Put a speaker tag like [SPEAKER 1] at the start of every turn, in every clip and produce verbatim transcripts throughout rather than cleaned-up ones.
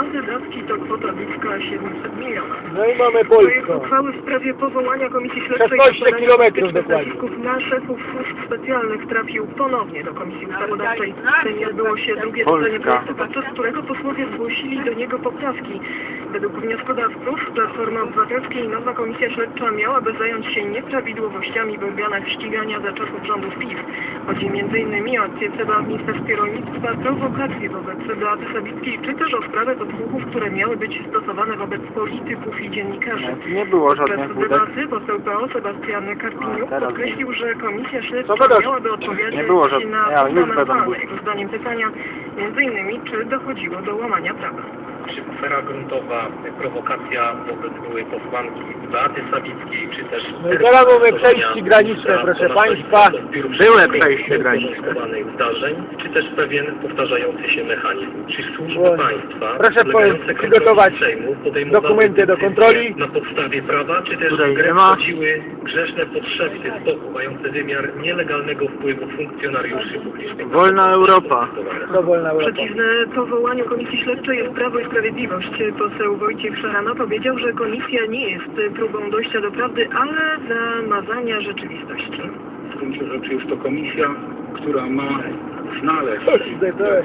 [SPEAKER 1] wydatki to kwota bliska siedemset milionów.
[SPEAKER 2] No i mamy
[SPEAKER 1] Projekt
[SPEAKER 2] Polską.
[SPEAKER 1] uchwały w sprawie powołania Komisji Śledczej
[SPEAKER 2] szesnaście kilometrów dokładnie.
[SPEAKER 1] na szefów służb specjalnych trafił ponownie do Komisji Ustawodawczej. W Sejmie odbyło się drugie czytanie projektu, podczas którego posłowie zgłosili do niego poprawki. Według wnioskodawców Platformy Obywatelskiej nowa Komisja Śledcza miałaby zająć się nieprawidłowościami w organach ścigania za czasów rządów PiS. Chodzi między innymi o akcję C B A w Ministerstwie Rolnictwa, prowokacje wobec Beaty Sawickiej, czy też o sprawę podsłuchów, które miały być stosowane wobec polityków i dziennikarzy.
[SPEAKER 3] Nie było żadnych
[SPEAKER 1] Podczas
[SPEAKER 3] wódek.
[SPEAKER 1] debaty poseł P O Sebastian Karpiniuk
[SPEAKER 3] A, teraz
[SPEAKER 1] podkreślił, że Komisja Śledcza
[SPEAKER 2] Co gadasz?
[SPEAKER 1] miałaby odpowiadać
[SPEAKER 3] Nie było żadnych-
[SPEAKER 1] na
[SPEAKER 3] ja, już będą
[SPEAKER 1] fundamentalne
[SPEAKER 3] wódki.
[SPEAKER 1] jego zdaniem pytania, między innymi czy dochodziło do łamania prawa.
[SPEAKER 4] Czy afera gruntowa, prowokacja wobec byłej posłanki Beaty Sawickiej, czy też...
[SPEAKER 2] No i teraz mamy przejście graniczne, proszę państwa.
[SPEAKER 3] Były przejście graniczne.
[SPEAKER 4] Zdarzeń, czy też pewien powtarzający się mechanizm. Czy służby
[SPEAKER 2] Błąd.
[SPEAKER 4] państwa
[SPEAKER 2] Proszę
[SPEAKER 4] podlegające
[SPEAKER 2] po- przygotować
[SPEAKER 4] kontroli Sejmu podejmowały
[SPEAKER 2] dokumenty do
[SPEAKER 4] decyzje
[SPEAKER 2] kontroli.
[SPEAKER 4] na podstawie prawa, czy też
[SPEAKER 3] Której
[SPEAKER 4] w grę
[SPEAKER 3] nie ma.
[SPEAKER 4] wchodziły grzeszne podszepty z boku, mające wymiar nielegalnego wpływu funkcjonariuszy publicznych.
[SPEAKER 3] Wolna Europa.
[SPEAKER 2] To wolna Europa.
[SPEAKER 1] Przeciwne powołaniu Komisji Śledczej jest Prawo i Sprawiedliwość. Poseł Wojciech Szarama powiedział, że komisja nie jest próbą dojścia do prawdy, ale zamazania rzeczywistości.
[SPEAKER 5] W gruncie rzeczy jest to komisja, która ma znaleźć
[SPEAKER 2] Coś, to,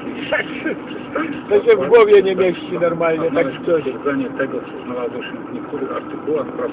[SPEAKER 2] to się w głowie nie mieści normalnie, tak coś.
[SPEAKER 5] stwierdzenie tego, co znalazło się w niektórych artykułach prawa.